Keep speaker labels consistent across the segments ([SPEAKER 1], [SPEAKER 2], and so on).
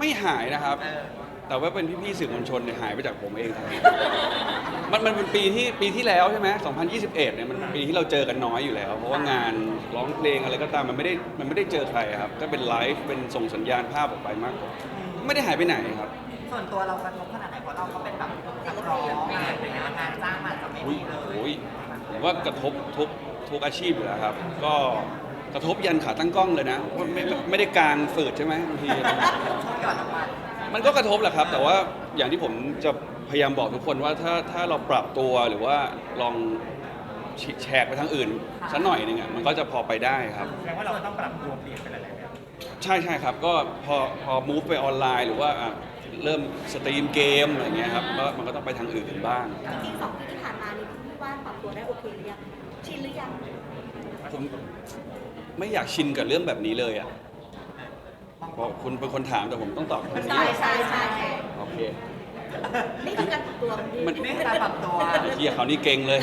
[SPEAKER 1] ไม่หายนะครับ แต่ว่าเป็นพี่ๆสื่อมวลชนเนี่ยหายไปจากผมเองครับมันเป็นปีที่แล้วใช่ไหม2021เนี่ยมันเป็นปีที่เราเจอกันน้อยอยู่แล้วเพราะว่างานร้องเพลงอะไรก็ตามมันไม่ได้เจอใครครับก็เป็นไลฟ์เป็นส่งสัญญาณภาพออกไปมากกว่าไม่ได้หายไปไหนครับ
[SPEAKER 2] ส่วนตัวเรากระทบขนาดไหนเพราะเราก็เป็นแบบนักร้องอะไรอย่างเงี้ยงานจ้างมันจะไม่
[SPEAKER 1] อุ้ย
[SPEAKER 2] มีเลย
[SPEAKER 1] โอ้ยผมว่ากระทบทุกอาชีพอยู่แล้วครับ ก็กระทบยันขาตั้งกล้องเลยนะไม่ได้กลางฝืดใช่ไหมบางที
[SPEAKER 2] ช่วงหย่อนน้ำมัน
[SPEAKER 1] มันก็กระทบแหละครับ แต่ว่าอย่างที่ผมจะพยายามบอกทุกคนว่าถ้าเราปรับตัวหรือว่าลองแชกไปทางอื่นสักหน่อยหนึงอ่ะมันก็จะพอไปได้ครับ
[SPEAKER 3] แสดงว่าเราต้องปรับตัวเปลี่ยนไปหลายๆแบบ
[SPEAKER 1] ใช่ครับก็พอ move ไปออนไลน์หรือว่าเริ่มสตรีมเกมอะไรเงี้ยครับก็มันก็ต้องไปทางอื่นบ้าง
[SPEAKER 4] จริงๆ2 ปีที่ผ่านมานี่พี่ว่าปรับตัวได้โอเคหรือยังชินหรือยัง
[SPEAKER 1] ผมไม่อยากชินกับเรื่องแบบนี้เลยอ่ะเพราะคุณเป็นคนถามแต่ผมต้องตอบคำนี้
[SPEAKER 4] ใช่
[SPEAKER 1] โอเค
[SPEAKER 4] นี่คือการปรับตัวของพี่
[SPEAKER 2] นี่คือการปรับตัว
[SPEAKER 1] เฮียเขานี่เก่งเลย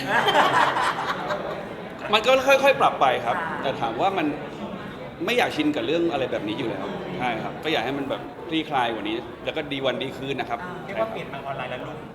[SPEAKER 1] มันก็ค่อยๆ ปรับไปครับ แต่ถามว่ามันไม่อยากชินกับเรื่องอะไรแบบนี้อยู่แล้วใช่ครับ ก็อยากให้มันแบบคลี่คลายกว่านี้ แล้วก็ดีวันดีคืนนะครับ
[SPEAKER 3] เรียกว่าเปลี่ยนมาออนไลน์แล้วลุ่ม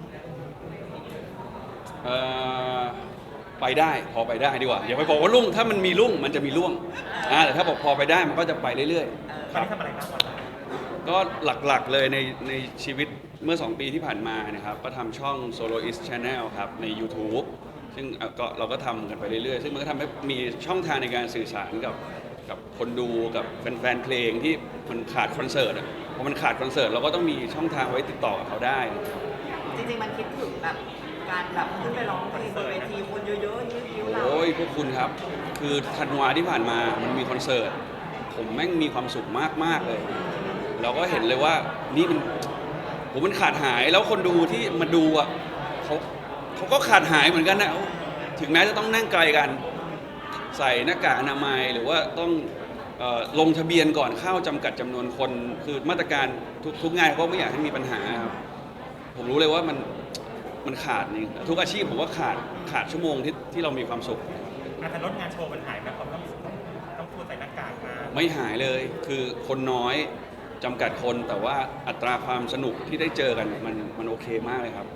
[SPEAKER 1] เอ่อไปได้พอไปได้ดีกว่าอย่าไปบอกว่ารุ่งถ้ามันมีรุ่งมันจะมีร่วงแต่ถ้าบอกพอไปได้มันก็จะไปเรื่อยๆ
[SPEAKER 3] ตอนนี้ทำอะไรบ้างออนไลน์
[SPEAKER 1] ก็หลักๆเลยในชีวิตเมื่อ 2 ปีที่ผ่านมานะครับก็ทำช่อง Soloist Channel ครับใน YouTube ซึ่งก็เราก็ทำกันไปเรื่อยๆ ซึ่งมันก็ทำให้มีช่องทางในการสื่อสารกับคนดูกับแฟนๆเพลงที่มันขาดคอนเสิร์ตพอมันขาดคอนเสิร์ตเราก็ต้องมีช่องทางไว้ติดต่อกับเขาได้
[SPEAKER 2] จริงๆมันคิดถึงแบบการแบบขึ้นไปร้องเพลงบนเวทีคนเยอะๆยืดยิ้วเรา
[SPEAKER 1] โอ้ยพวกคุณครับ คือธันวาที่ผ่านมามันมีคอนเสิร์ตผมแม่งมีความสุขมากๆเลย เราก็เห็นเลยว่านี่มันขาดหายแล้วคนดูที่มาดูอ่ะเขาก็ขาดหายเหมือนกันนะถึงแม้จะต้องนั่งไกลกันใส่หน้ากากอนามัยหรือว่าต้องลงทะเบียนก่อนเข้าจำกัดจำนวนคนคือมาตรการทุกงานเขาก็ไม่อยากให้มีปัญหาครับผมรู้เลยว่ามันขาดนี่ทุกอาชีพผมว่าขาดชั่วโมงที่เรามีความสุข
[SPEAKER 3] อาจจะลดงานโชว์มันหายไปเพราะต้องพูดใส่หน้ากากมา
[SPEAKER 1] ไม่หายเลยคือคนน้อยจำกัดคนแต่ว่าอัตราความสนุกที่ได้เจอกันมันโอเคมากเลยครับ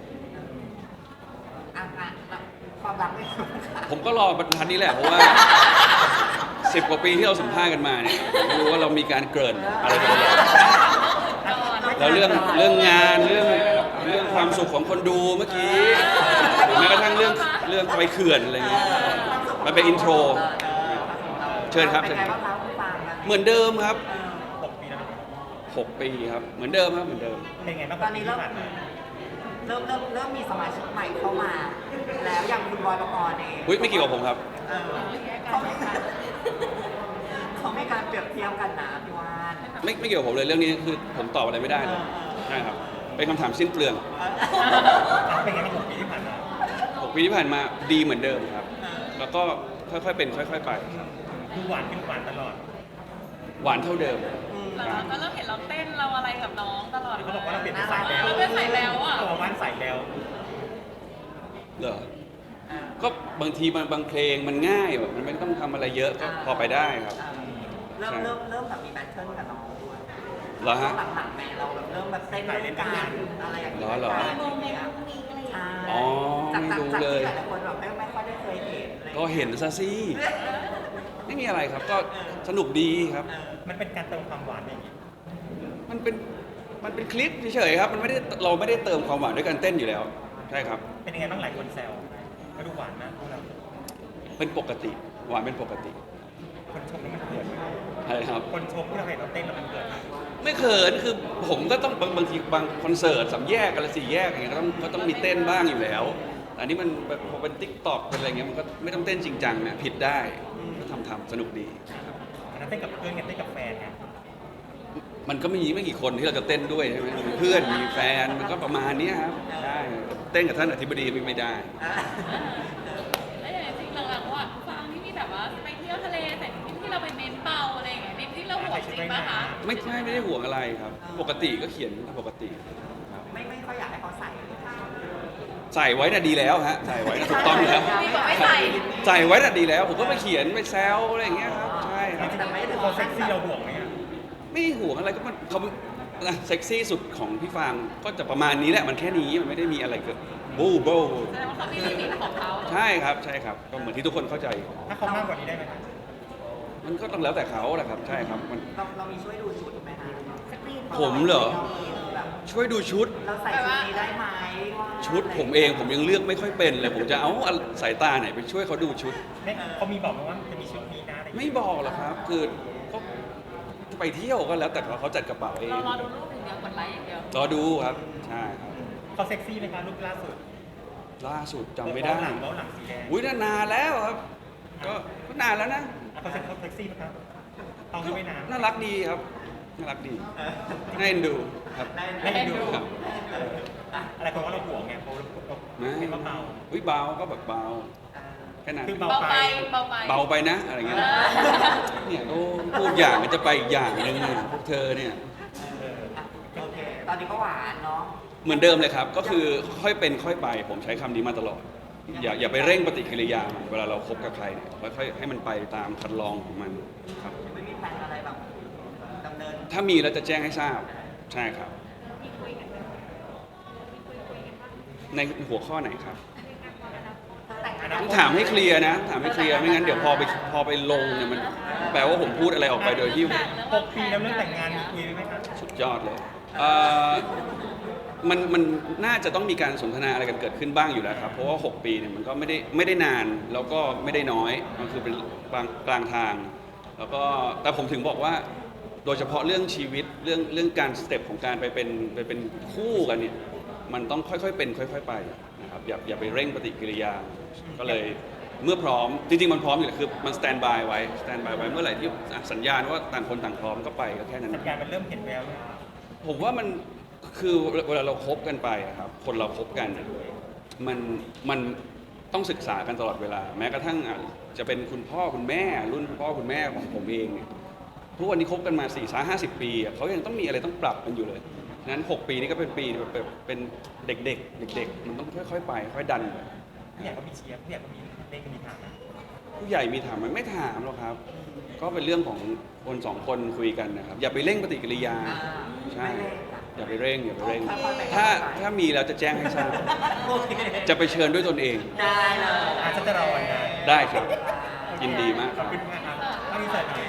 [SPEAKER 2] ความรักไม่ค่ะ
[SPEAKER 1] ผมก็รอบรรทัดนี้แหละเพราะว่า 10 กว่าปีที่เราสัมภาษณ์กันมาเนี่ยไม่รู้ว่าเรามีการเกริ่นอะไรกันบ้างแล้วเรื่องงานเรื่องความสุขของคนดูเมื่อกี้หรือแม้กระทั่งเรื่องไปเขื่อนอะไรเงี้ยมันเป็นอินโทร เชิญครับ
[SPEAKER 2] เป็นไงบ้างคะคุณฟังกัน
[SPEAKER 1] เหมือนเดิมครับ
[SPEAKER 3] 6 ปีแล้วนะ
[SPEAKER 1] 6 ปีครับเหมือนเดิมครับเหมือนเดิม
[SPEAKER 3] เป็นไงบ้าง
[SPEAKER 2] ตอนนี้เริ่มมีสมาชิกใหม่เข้ามา แล้วอย่างคุณบอยปกรณ์เอง
[SPEAKER 1] อุ๊ยไม่เกี่ยวกับผมครับ
[SPEAKER 2] เขาไม่การเปรียบเทียบกันนะพี่วาน
[SPEAKER 1] ไม่เกี่ยวกับผมเลยเรื่องนี้คือผมตอบอะไรไม่ได้เลยใช่ครับเป็นคำถามสิ้นเปลือง
[SPEAKER 3] เป็นไงบ้าง6 ปีที่ผ่านมา
[SPEAKER 1] 6 ปีที่ผ่านมาดีเหมือนเดิมครับ แล้วก็ค่อยๆเป็นค่อยๆไป
[SPEAKER 3] ดูหวานขึ้นหวานตลอด
[SPEAKER 1] หวานเท่าเดิม
[SPEAKER 5] แต่เราก็เริ่มเห็นเราเต้นเราอะไรกับน้องตลอด
[SPEAKER 3] เขาบอกว่าเราเปลี่ยนเป็นสายแล้ว
[SPEAKER 5] เราเป็นสายแล้วอ่ะ
[SPEAKER 3] ตัวว่านสายแล้ว
[SPEAKER 1] เหรอก็บางทีบางเพลงมันง่ายแบบมันไม่ต้องทำอะไรเยอะก็พอไปได้ครับ
[SPEAKER 2] เริ่มแบบมีแบทเทิลกับน้องด้วย
[SPEAKER 1] เหรอฮะ
[SPEAKER 2] หลังๆแม่เราแบบเริ่มแบบเต้นด้วยกันอะไรอย่างเงี้ย
[SPEAKER 1] เหรอ
[SPEAKER 4] มีโมเมนต์มีอะไรอย่างเงี้ย
[SPEAKER 1] อ๋อไม่รู้เลย
[SPEAKER 2] จากที่หลายคนแบบไม่ค่อยได้เคยเห็นอะไรอย่าง
[SPEAKER 1] ก็
[SPEAKER 2] เงี้ย
[SPEAKER 1] เห็นซะสิไม่มีอะไรครับ ก็สนุกดีครับ
[SPEAKER 3] มันเป็นการเติมความหวานอย่างนี้
[SPEAKER 1] มันเป็นคลิปเฉยๆครับเราไม่ได้เติมความหวานด้วยการเต้นอยู่แล้วใช่ครับ
[SPEAKER 3] เป็นยังไงบ้างหลายคนแซวก็ดูหวานนะพวกเรา
[SPEAKER 1] เป็นปกติหวานเป็นปกติ
[SPEAKER 3] คนชมแล้วมันเกิดไหม
[SPEAKER 1] อะไรครับ
[SPEAKER 3] คนชมที่เราเห็นเราเต้นแล้วมันเกิดไหม
[SPEAKER 1] ไม่เขินคือผมก็ต้องบางทีบางคอนเสิร์ต3 แยกอะไร4 แยกอย่างเงี้ยก็ต้องมีเต้นบ้างอยู่แล้วแต่อันนี้มันแบบพอเป็นติ๊กต็อกเป็นอะไรเงี้ยมันก็ไม่ต้องเต้นจริงจังนะผิดได้ก็ทำสนุกดีครับ
[SPEAKER 3] อันนั้นเต้นกับเพื่อนกันเต้นกับแฟนไง
[SPEAKER 1] มันก็มีไม่กี่คนที่เราจะเต้นด้วยใช่ไหมมีเพื่อนมีแฟนมันก็ประมาณเนี้ยครับใช่เต้นกับท่านอธิบดีไม่ได้
[SPEAKER 5] แล้วอย่างจริงหลังๆว่าฟังที่มีแบบว่าไปเที่ยวทะเลแต่ที่เราไปเน้นเป่าอะไรอย่างเงี้ยเน้นที่เราห่วงจริงปะคะ
[SPEAKER 1] ไม่ได้ห่วงอะไรครับ ปกติก็เขียนปกติครับ
[SPEAKER 2] ไม่ค่อยอยากให้เขาใส่
[SPEAKER 1] ใส่ไว้น่ะดีแล้วฮะใส่ไว้น่ะถูกต้องแล้ว
[SPEAKER 5] มีบอกไม่ใส่
[SPEAKER 1] ใส่ไว้น่ะดีแล้ว ผมก็ไปเขียนไปแซวอะไรอย่างเงี้ยครับใช่ครับ
[SPEAKER 3] แต่ไม่ได้เขาเซ็กซี่เราห่วงไหมอะ
[SPEAKER 1] ไม่ห่วงอะไรก็มันเขาเซ็กซี่สุดของพี่ฟางก็จะประมาณนี้แหละมันแค่นี้มันไม่ได้มีอะไรเกิดบูโบ
[SPEAKER 5] แสดงว่าเขามีลิมิตของเขา
[SPEAKER 1] ใช่ครับใช่ครับก็เหมือนที่ทุกคนเข้าใจ
[SPEAKER 3] ถ้าเขามากกว่านี้ได้ไหมครับ
[SPEAKER 1] มันก็ต้องแล้วแต่เขาแหละครับใช่ครับมัน
[SPEAKER 2] เรามีช่วยดูชุดไหมคะ
[SPEAKER 4] สกรีน
[SPEAKER 1] ผมเหรอ
[SPEAKER 2] แบบ
[SPEAKER 1] ช่วยดูชุด
[SPEAKER 2] เราใส่ชุดนี้ได้ไหมว่า
[SPEAKER 1] ชุดผมเองผมยังเลือกไม่ค่อยเป็นเลย ผมจะเอาสายตาไหนไปช่วยเขาดูชุด
[SPEAKER 3] เนี่ยเขามีบอกไหมว่าจะมีชุดนี้นะอะไรอย่าง
[SPEAKER 1] ไม่
[SPEAKER 3] เงี้ย
[SPEAKER 1] บอกหรอกครับคือก็ไปเที่ยวก็แล้วแต่เขาจัดกระเป๋าเอง
[SPEAKER 5] เรารอดูรูปอย่างเดียวกดไลค์อย่างเดียว
[SPEAKER 1] รอดูครับใช่ครับ
[SPEAKER 3] เขาเซ็กซี่ไหมคะรูปล่าสุด
[SPEAKER 1] ล่าสุดจำไม่ได้
[SPEAKER 3] เบ้าหลังสีแดง
[SPEAKER 1] อุ้ยนานแล้วครับก็นานแล้วนะ
[SPEAKER 3] เขาเซ็กซี่ไหมครับเอาไม่นาน
[SPEAKER 1] น่ารักดีครับน่ารักดีน่าเอ็นดูครับ
[SPEAKER 3] ให้ดู
[SPEAKER 1] ครับ
[SPEAKER 3] อะไรคนว่าเราห่วงไงเพราะเราเป็นเบา
[SPEAKER 1] อุ้ยเบาก็แบบเบาแค่นั้น
[SPEAKER 3] คือ
[SPEAKER 5] เบาไปเบาไป
[SPEAKER 1] เบาไปนะอะไรเงี้ย
[SPEAKER 5] เออ
[SPEAKER 1] เนี่ยก็พูดอย่างมันจะไปอีกอย่างหนึงเนี่ยพวกเธอเนี่ย
[SPEAKER 2] โอเค ตอนนี้ก็หวานเนาะ
[SPEAKER 1] เหมือนเดิมเลยครับ ก็คือค่อยเป็นค่อยไป ผมใช้คำนี้มาตลอด อย่าไปเร่งปฏิกิริยามันเวลาเราคบกับใครเนี่ยค่อยๆให้มันไปตามคันลองของมันครับ
[SPEAKER 2] ไม่มีแผนอะไรแบบดำเนิน
[SPEAKER 1] ถ้ามีแล้วจะแจ้งให้ทราบใช่ครับ ในหัวข้อไหนครับ
[SPEAKER 2] ถ้าแต่งงาน
[SPEAKER 1] ต้องถามให้เคลียร์นะถามให้เคลียร์ไม่งั้นเดี๋ยวพอไปลงเนี่ยมันแปลว่าผมพูดอะไรออกไปโดยที่
[SPEAKER 3] 6 ปีแล้วเรื่องแต่งงานมีคุยไหมครับ
[SPEAKER 1] สุดยอดเลยมันน่าจะต้องมีการสนทนาอะไรกันเกิดขึ้นบ้างอยู่แล้วครับ เพราะว่า 6 ปีเนี่ยมันก็ไม่ได้นาน แล้วก็ไม่ได้น้อย มันคือเป็นกลางทาง แล้วก็แต่ผมถึงบอกว่า โดยเฉพาะเรื่องชีวิตเรื่องการสเต็ปของการไปเป็นคู่กันเนี่ย มันต้องค่อยๆเป็นค่อยๆไปนะครับอย่าไปเร่งปฏิกิริยา ก็เลยเมื่อพร้อมจริงๆมันพร้อมอยู่แล้วคือมันสแตนบายไว้เมื่อไหร่ที่สัญญาณว่าต่างคนต่างพร้อมก็ไปก็แค่นั้น
[SPEAKER 3] สัญญาณมันเริ่มเห็นแววแล้ว
[SPEAKER 1] ผมว่ามันคือเวลาเราคบกันไปอะครับคนเราคบกันเนี่ยมันต้องศึกษากันตลอดเวลา แม้กระทั่งจะเป็นคุณพ่อคุณแม่รุ่นคุณพ่อคุณแม่ของผมเองเนี่ยทุกวันนี้คบกันมา4-50 ปีอะเขายังต้องมีอะไรต้องปรับกันอยู่เลยฉะนั้น 6 ปีนี้ก็เป็นปีแบบเป็นเด็กๆมันต้องค่อยๆไปค่อยดันไป
[SPEAKER 3] ผู้ใหญ่ก็มีเชียร์ผู้ใหญ่ก็มีเล่นก็มีถามนะ
[SPEAKER 1] ผู้ใหญ่มีถามไหมไม่ถามหรอกครับ ก็เป็นเรื่องของคนสองคนคุยกันนะครับ อย่าไปเร่งปฏิกิริยา ใช่ อย่าไปเร่งถ้ามีแล้วจะแจ้งให้ทราบ
[SPEAKER 2] โอเค
[SPEAKER 1] จะไปเชิญด้วยตนเอง
[SPEAKER 2] ได้เลย
[SPEAKER 3] อาจจะรอวันงาน
[SPEAKER 1] ได้ครับ ยินดีมาก
[SPEAKER 3] ขอบคุณมากครับถ้ามีเสร็จ